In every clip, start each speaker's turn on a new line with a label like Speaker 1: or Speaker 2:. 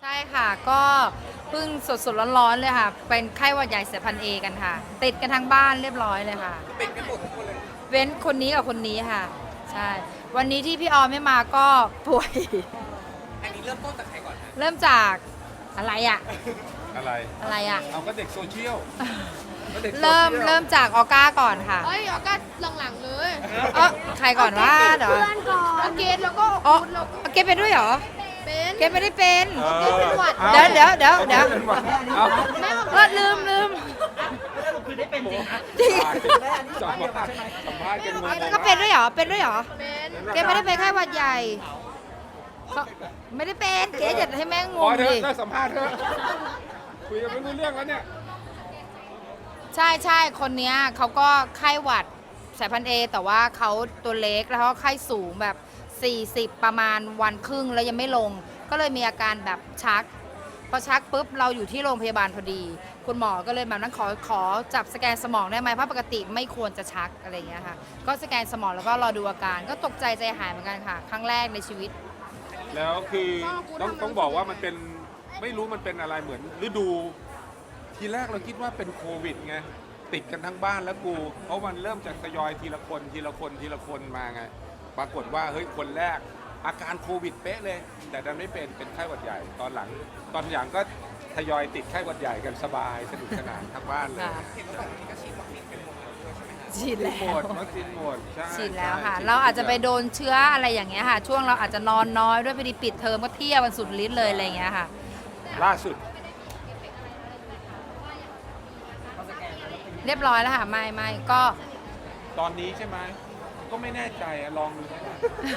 Speaker 1: ใช่ค่ะก็เพิ่งสดๆร้อนๆเลยค่ะเป็นไข้หวัดใหญ่สายพันธุ์เอกันค่ะติดกันทั้งบ้านเรียบร้อยเลยค่ะ
Speaker 2: เป็นกันหมดทุกคนเลย
Speaker 1: เว้นคนนี้กับคนนี้ค่ะใช่วันนี้ที่พี่ออมไม่มาก็ป่วย
Speaker 2: อันนี้เริ่มต้นจากใครก่อนฮะ
Speaker 1: เริ่มจากอะไรอะ
Speaker 3: อะไร
Speaker 1: อะไรอะ
Speaker 3: เอาก็เด็กโซเชียลก็ด็กโซชียล
Speaker 1: เริ่มจากออก้าก่อนค่ะ
Speaker 4: เฮ้ยเอาก็หลังๆเลย
Speaker 1: เออใครก่อนว่าเดี๋ยว
Speaker 4: เพื่อนก่อนเอาเกตแล้วก็
Speaker 1: อ๋อ
Speaker 4: คุณแล้ว
Speaker 1: เกดเป็นด้วยเหรอ
Speaker 4: เป็น
Speaker 1: เกดไม่ได้เป็น
Speaker 3: เออ
Speaker 4: เป็นหวัด
Speaker 1: เดี๋ยว
Speaker 3: เป็นหวัดเอา
Speaker 1: ลืม
Speaker 2: คือได้เป็นจริงฮะ
Speaker 1: จริง
Speaker 3: สัมภาษณ์กันงง
Speaker 1: ก็เป็นด้วยเหรอเป็นด้วยเหรอ
Speaker 4: เป็น
Speaker 1: เกดไม่ได้เป็นไข้หวัดใหญ่เขาไม่ได้เป็นเกดอย่าให้แม่ง
Speaker 3: พอง เถ
Speaker 1: ดิ
Speaker 3: อะได้สัมภาษณ์เถอะคุยกันไม่รู้เรื่องแล้วเนี่ย
Speaker 1: ใช่คนเนี้ยเขาก็ไข้หวัดสายพันธุ์เอแต่ว่าเขาตัวเล็กแล้วเขาไข้สูงแบบ 40 ประมาณวันครึ่งแล้วยังไม่ลง ก็เลยมีอาการแบบชักพอชักปุ๊บเราอยู่ที่โรงพยาบาลพอดี คุณหมอก็เลยแบบนั้นขอจับสแกนสมองได้ไหมเพราะปกติไม่ควรจะชักอะไรอย่างเงี้ยค่ะก็สแกนสมองแล้วก็รอดูอาการก็ตกใจใจหายเหมือนกันค่ะ ครั้งแรกในชีวิต
Speaker 3: แล้วคือต้องบอกว่ามันเป็นไม่รู้มันเป็นอะไรเหมือนฤดู ทีแรกเราคิดว่าเป็นโควิดไงติดกันทั้งบ้านแล้วกูเพราะมันเริ่มจากทยอยทีละคนมาไงปรากฏว่าเฮ้ยคนแรกอาการโควิดเป๊ะเลย แต่ดันไม่เป็นไข้หวัดใหญ่ตอนหลังก็ทยอยติดไข้หวัดใหญ่กันสบายสนุกสนานทั้งบ้านเลย
Speaker 1: ค่ะ
Speaker 2: เห็นว่าฝั่งนี้ก็ฉีดวัคซีนเป็นหมดแล้วด้วยใช่ไหมฮะ
Speaker 1: ฉีดแล้ว
Speaker 3: หมดวัคซีนหมดใช่
Speaker 1: ฉีดแล้วค่ะ
Speaker 3: ใช่
Speaker 1: เราอาจจะไปโดนเชื้ออะไรอย่างเงี้ยค่ะ ช่วงเราอาจจะนอนน้อยด้วยพอดีปิดเทอมก็เที่ยววันสุดฤทธิ์เลยอะไรอย่างเงี้ยค่ะ
Speaker 3: ล่าสุด
Speaker 1: เรียบร้อยแล้วค่ะไม่ก็
Speaker 3: ตอนนี้ใช่ไหมก็ไม่แน่ใจอะลองดูนะ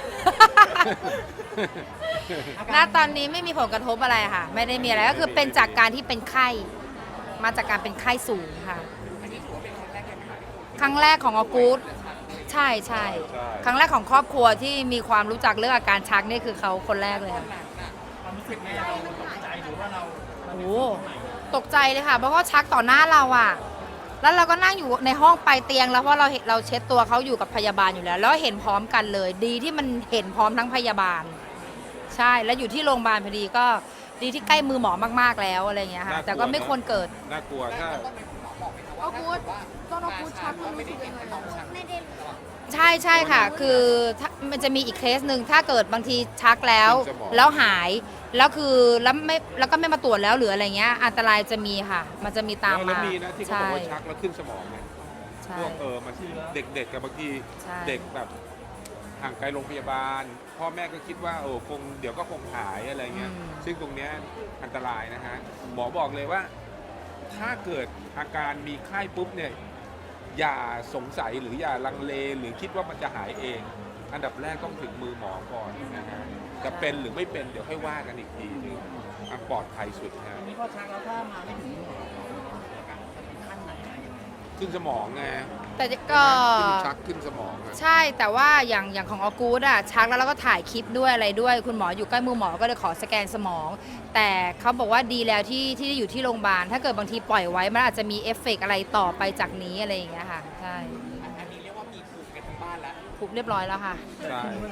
Speaker 1: ณตอนนี้ไม่มีผลกระทบอะไรค่ะ ไม่ได้มีอะไรก็คือเป็นจากการที่เป็นไข้มาจากการเป็นไข้สูงค่ะ
Speaker 2: อันนี้ถือว่าเป็นครั้งแรกเลยไหมคะ
Speaker 1: ครั้งแรกของออกูดใช่ครั้งแรกของครอบครัวที่มีความรู้จักเรื่องอาการชักนี่คือเขาคนแรกเลยค่ะ
Speaker 2: ความรู้สึกแม่เราตกใจหรือว่าเรา
Speaker 1: โอ้โหตกใจเลยค่ะเพราะว่าชักต่อหน้าเราอะแล้วเราก็นั่งอยู่ในห้องปลายเตียงแล้วเพราะเราเช็ดตัวเขาอยู่กับพยาบาลอยู่แล้ว แล้วเห็นพร้อมกันเลย ดีที่มันเห็นพร้อมทั้งพยาบาล ใช่แล้วอยู่ที่โรงพยาบาลพอดีก็ดีที่ใกล้มือหมอมากๆแล้วอะไรอย่างเงี้ยค่ะแต่ก็ไม่ควรเกิด
Speaker 3: น่ากลัวถ้า
Speaker 4: เอากูดต้นเอากูดชักมันรู้สึกยังไงอะ
Speaker 1: ใช่ค่ะ คือถ้ามันจะมีอีกเคสหนึ่งถ้าเกิดบางทีชักแล้ว
Speaker 3: ขึ้นสมอง
Speaker 1: แล้วหายแล้วคือแล้วก็ไม่มาตรวจแล้วหรืออะไรเงี้ยอันตรายจะมีค่ะ มันจะมีตาม
Speaker 3: แล้ว
Speaker 1: มา
Speaker 3: มีนะที่เขาบอกว่าชักแล้วขึ้นสมองเนี่ย
Speaker 1: ใช่
Speaker 3: พวกมันเด็กๆกับบางที
Speaker 1: ใช่
Speaker 3: เด็กแบบห่างไกลโรงพยาบาล พ่อแม่ก็คิดว่าคงเดี๋ยวก็คงหายอะไรเงี้ยซึ่งตรงเนี้ยอันตรายนะฮะหมอบอกเลยว่า ถ้าเกิดอาการมีไข้ปุ๊บเนี่ยอย่าสงสัยหรืออย่าลังเลหรือคิดว่ามันจะหายเอง อันดับแรกต้องถึงมือหมอก่อนนะฮะจะเป็นหรือไม่เป็นเดี๋ยวค่อยว่ากันอีกทีนึงอันปลอดภัยสุดนะ
Speaker 2: นี่พอชักแล้วถ้ามาไม่ถึงขั้นไหนอะ
Speaker 3: ขึ้นสมองไง
Speaker 1: แต่ก็
Speaker 3: ขึ้นชักขึ้นสมองอะ
Speaker 1: ใช่แต่ว่าอย่างของออกูดอะชักแล้วเราก็ถ่ายคลิปด้วยอะไรด้วย คุณหมออยู่ใกล้มือหมอก็เลยขอสแกนสมอง แต่เขาบอกว่าดีแล้วที่อยู่ที่โรงพยาบาลถ้าเกิดบางทีปล่อยไว้มันอาจจะมีเอฟเฟกต์อะไรต่อไปจากนี้อะไรอย่างเงี้ยค่ะใช่
Speaker 2: อันนี้เรียกว่ามีภูมิกันทั้งบ้านแล้ว
Speaker 1: ถูกเรียบร้อยแล้วค่ะ
Speaker 3: ใช่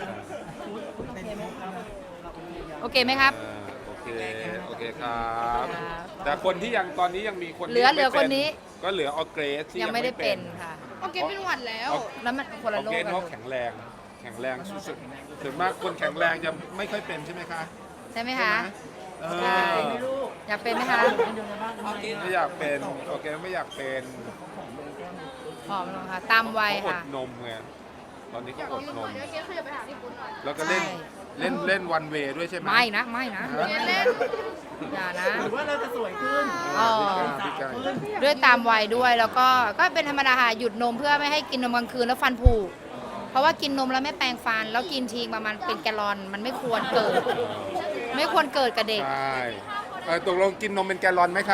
Speaker 1: โอเคไหมครับ
Speaker 3: โอเคครับ
Speaker 1: ครับ
Speaker 3: แต่คนที่ยังตอนนี้ยังมีคนที่
Speaker 1: เหลือ
Speaker 3: ยังไม่
Speaker 1: คนนี้
Speaker 3: ก็เหลือออเกรสที่
Speaker 1: ยังไม่ได้เป็นค่ะ
Speaker 4: เอาเกตเป็นหวัดแล้ว
Speaker 1: แล้วมันคน
Speaker 3: อ
Speaker 1: ละ
Speaker 3: อ
Speaker 1: โร
Speaker 3: เกร
Speaker 1: ค
Speaker 3: ส
Speaker 1: กัน
Speaker 3: เขาแข็งแรงสุดๆส่วนมากคนแข็งแรงจะไม่ค่อยเป็นใช่ไหมคะ
Speaker 1: ใช่ไหมคะ
Speaker 3: เอ
Speaker 1: ใช่
Speaker 3: อ
Speaker 1: อยากเป็นไหมคะ
Speaker 3: ไม่อยากเป็นออเกรสไม่อยากเป็น
Speaker 1: ผอมลงค่ะ ตามวัย
Speaker 3: เขาอด
Speaker 1: ค่ะ
Speaker 3: นมไงตอนนี้เขาอดนม
Speaker 4: เดี๋ยวเกตขยับไปหาพี่ปุ้นหน่อย
Speaker 3: แล้วก็เล่น
Speaker 1: ใช่
Speaker 3: เล่นวันเวด้วยใช่ไหม
Speaker 1: ไม่นะ
Speaker 4: เกตเล่น
Speaker 1: อย่านะ
Speaker 2: หรือว่าเราจะสวยขึ้น
Speaker 1: อ๋อ
Speaker 3: พี่ไก่
Speaker 1: ด้วยตามวัยด้วยแล้วก็เป็นธรรมดาค่ะหยุดนมเพื่อไม่ให้กินนมกลางคืนแล้วฟันผุเพราะว่ากินนมแล้วไม่แปรงฟัน แล้วกินทีประมาณเป็นแกลลอนมันไม่ควรเกิด ไม่ควรเกิดกับเด็ก
Speaker 3: ใช่ตกลงกินนมเป็นแกลลอนไหมคะ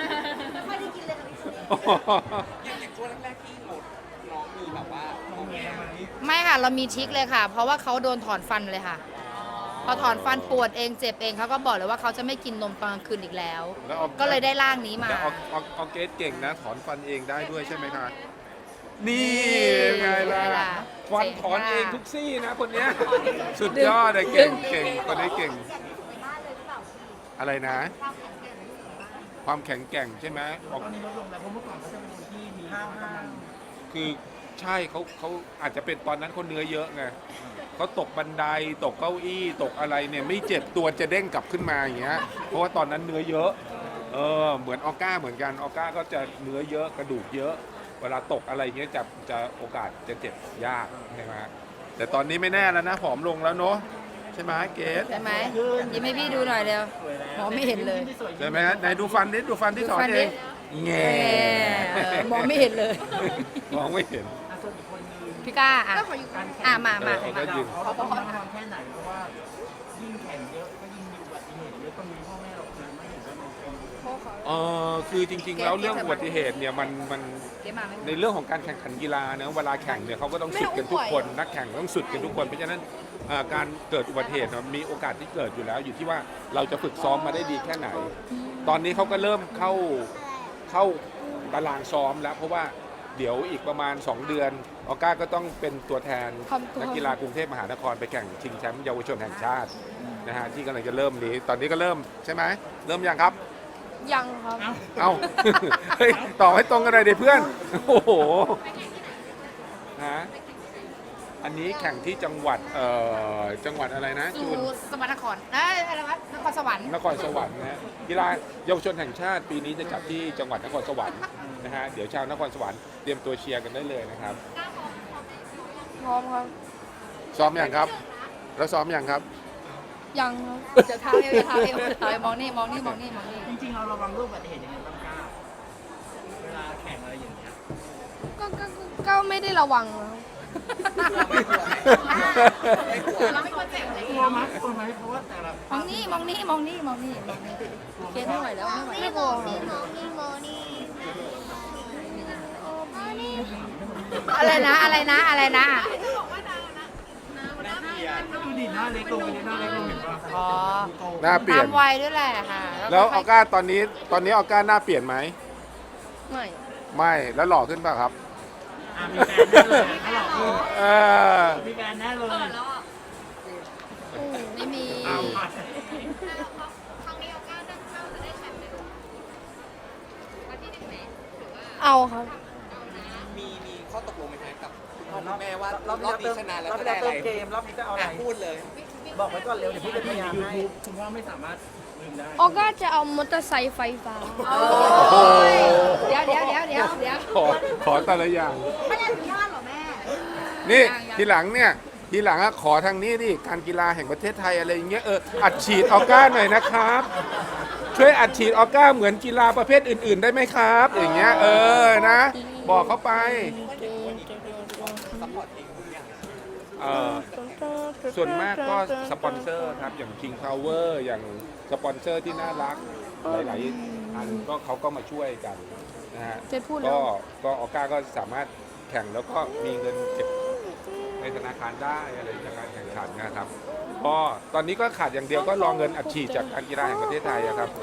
Speaker 2: อย่างช่วงแรกๆที่หมดน้องมีแบบว่าโอเคไหม
Speaker 1: ไม่ค่ะเรามีทริคเลยค่ะ เพราะว่าเขาโดนถอนฟันเลยค่ะ พอถอนฟันปวดเองเจ็บเองเขาก็บอกเลยว่าเขาจะไม่กินนมตอนกลางคืนอีกแล้ว
Speaker 3: แล้วออก
Speaker 1: ก็เลยได้ร่างนี้มา
Speaker 3: แต่ออเกรสเก่งนะ ถอนฟันเองได้ด้วยใช่ไหมคะ นี่ไงล่ะ ฟันถอนเองทุกซี่นะคนเนี้ย สุดยอดเลยเก่งคนนี้เก่งอะไรนะ ความแข็งแกร่งใช่ไหมออก
Speaker 5: ตอนนี้ลดลงแล้วเพราะเมื่อก่อนเขาจะเป็นคนที่มีห้าวห้าว
Speaker 3: คือใช่เขาอาจจะเป็นตอนนั้นเขาเนื้อเยอะไงเขาตกบันไดตกเก้าอี้ตกอะไรเนี่ยไม่เจ็บตัวจะเด้งกลับขึ้นมาอย่างเงี้ยเพราะว่าตอนนั้นเนื้อเยอะเหมือนออก้าเหมือนกันออก้าก็จะเนื้อเยอะกระดูกเยอะ เวลาตกอะไรเงี้ยจะโอกาสจะเจ็บยากใช่ไหมแต่ตอนนี้ไม่แน่แล้วนะผอมลงแล้วเนาะใช่ไหมเกส
Speaker 1: ใช่ไหมยิ้มให้พี่ดูหน่อยเร็ว
Speaker 5: สวยแล้ว
Speaker 1: มองไม่เห็นเลย
Speaker 5: ที่สวย
Speaker 3: ใช่ไหมฮะไหนดูฟันนิดดูฟันที่ถอนเองแง่
Speaker 1: มองไม่เห็นเลย
Speaker 3: มองไม่เห็น
Speaker 5: ส่วนอีกคนนึง
Speaker 1: พี่ก้าอ่ะ
Speaker 4: ก็ขออยู่กัน
Speaker 1: มา
Speaker 3: เออก็ยืน
Speaker 5: เขาต้องระวังแค่ไหนเพราะว่ายิ่งแข่งเยอะก็ยิ่งมีอุบัติเหตุเยอะต้องมีพ่อแม่เราคือไม่เห็นว่ามันเป็น
Speaker 3: คือจริงๆแล้วเรื่องอุบัติเหตุเนี่ยมัน
Speaker 1: เดี๋ยวมาไหม
Speaker 3: ในเรื่องของการแข่งขันกีฬาเนะเวลาแข่งเนี่ยเขาก็ต้องสุดกันทุกคนนักแข่งต้องสุดกันทุกคนเพราะฉะนั้นการเกิดอุบัติเหตุมีโอกาสที่เกิดอยู่แล้ว อยู่ที่ว่าเราจะฝึกซ้อมมาได้ดีแค่ไหน ตอนนี้เขาก็เริ่มเข้าตารางซ้อมแล้วเพราะว่าเดี๋ยวอีกประมาณ 2 เดือนออก้าก็ต้องเป็นตัวแทนนักกีฬากรุงเทพมหานครไปแข่งชิงแชมป์เยาวชนแห่งชาตินะฮะที่กำลังจะเริ่มนี้ตอนนี้ก็เริ่มใช่ไหมเริ่มยังครับ
Speaker 4: ยังครับ
Speaker 3: เอา เฮ้ยต่อให้ตรงกันเลยดิเพื่อน โอ้โหฮะอันนี้แข่งที่จังหวัดจังหวัดอะไรนะ
Speaker 1: สู่
Speaker 3: จูน
Speaker 1: สมรรถนครอะไรวะนครสวรรค์
Speaker 3: นครสวรรค์นะกีฬาเยาวชนแห่งชาติปีนี้จะจัดที่จังหวัดนครสวรรค์นะฮะเดี๋ยวชาวนครสวรรค์เตรียมตัวเชียร์กันได้เลยนะครับ
Speaker 4: พร้อมครับ
Speaker 3: ซ้อมอย่างครับ แล้วซ้อมอย่างครับ
Speaker 4: ยังครับ
Speaker 1: จะเท้าเอวจะเท้าเอวจะเท้าเอวมองนี่มองนี่มองนี่มองนี่
Speaker 5: จริงๆเราระวังเรื่องอุบัติเหตุยังไงบ้างก้าเวลาแข่งอะไรอย่างเงี้ย
Speaker 4: ก็ไม่ได้ระวังนะครับ
Speaker 1: เราไม่ควรเจ็บอะไร
Speaker 5: กลัวไหมกลัวไหมเพราะว่าแต่ละ
Speaker 1: มองนี่มองนี่มองนี่มองนี่มองนี่เกณฑ์ไม่ไหวแล้วไม่ไหว
Speaker 4: ไม่กลัวครับ
Speaker 1: อะไรนะอะไรนะอะไรนะ
Speaker 5: ดูดิหน้าเล็กลงไปเลยหน้าเล็กลงเห็นป่ะ
Speaker 1: อ๋อ
Speaker 3: หน้าเปลี่ย
Speaker 1: ตาน มวัยด้วยแหละค่ะ
Speaker 3: แล้วออก้าตอนนี้ออก้าหน้าเปลี่ยนไหม
Speaker 4: ไม่
Speaker 3: ไม่แล้วหล่อขึ้นป่ะครับ
Speaker 5: มีแฟนแน่เลยถ้าหลอกลูก
Speaker 3: เออ
Speaker 5: มีแฟนแน่เลย
Speaker 1: ไม่มี
Speaker 5: เอาไป
Speaker 4: เอาครับ
Speaker 2: มีข้อตกลงไหมครับกับคุณพ่อคุณแม่ว่ารอบนี้ชนะแล้วจะได้อะไร
Speaker 5: เกมรอบนี้จะเอาอะไร
Speaker 2: พูดเลย
Speaker 5: บอกไว้ก่อนเร็วเดี๋ยวพี่จะพยายามให้คุณพ่อไม่สามารถลืมได้
Speaker 4: ออก้าจะเอามอเตอร์ไซค์ไฟฟ้า
Speaker 1: โอ้ยเดี๋ยว
Speaker 3: ขอแต่ละอย่าง
Speaker 1: ไม่ได้อนุญาตหรอแม่
Speaker 3: นี่
Speaker 1: ยัง
Speaker 3: ทีหลังเนี่ยทีหลังอะขอทางนี้ดิการกีฬาแห่งประเทศไทยอะไรอย่างเงี้ยอัดฉีดออก้าหน่อยนะครับ ช่วยอัดฉีดออก้าเหมือนกีฬาประเภทอื่น ๆ ได้ไหมครับ อย่างเงี้ยนะ บอกเขาไป
Speaker 2: ซัพพอร์ตเองทุกอย่าง
Speaker 3: ส่วนมากก็สปอนเซอร์ครับอย่าง King Power อย่างสปอนเซอร์ที่น่ารักหลายๆอันก็เขาก็มาช่วยกันนะฮะ
Speaker 4: เจ๊พูดแล้ว
Speaker 3: ก็ออก้าก็สามารถแข่งแล้วก็มีเงินเก็บในธนาคารได้อะไรจากการแข่งขันนะครับก็ตอนนี้ก็ขาดอย่างเดียวก็รอเงินอัดฉีดจากการกีฬาแห่งประเทศไทยอะครับ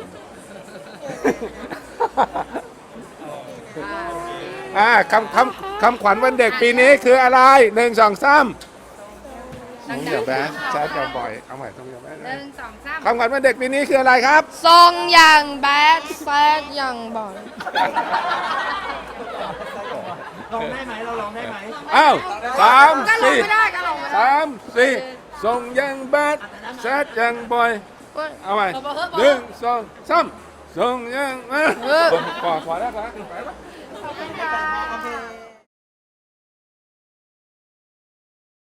Speaker 3: คำขวัญวันเด็กปีนี้คืออะไร1 2 3ต้องอย่าแบดแซดกันบ่อยเอาใหม่ต้องอย่าแบด
Speaker 1: 1 2 3
Speaker 3: คำขวัญวันเด็กปีนี้คืออะไรครับ
Speaker 4: ทรงอย่างแบดแซดอย่างบ่อย
Speaker 5: ลองได้ไหมเราลองได้ไหม
Speaker 3: อ้าว3
Speaker 1: ก็ลงไม่ได้ก็ลงไม่ได้
Speaker 3: 4 3 4ส่งยังแบดแซดยังบ่อยเอาใหม่1 2 3ส่งยังพอแล้วครับ
Speaker 1: ขอบคุณค่ะ
Speaker 2: โอเค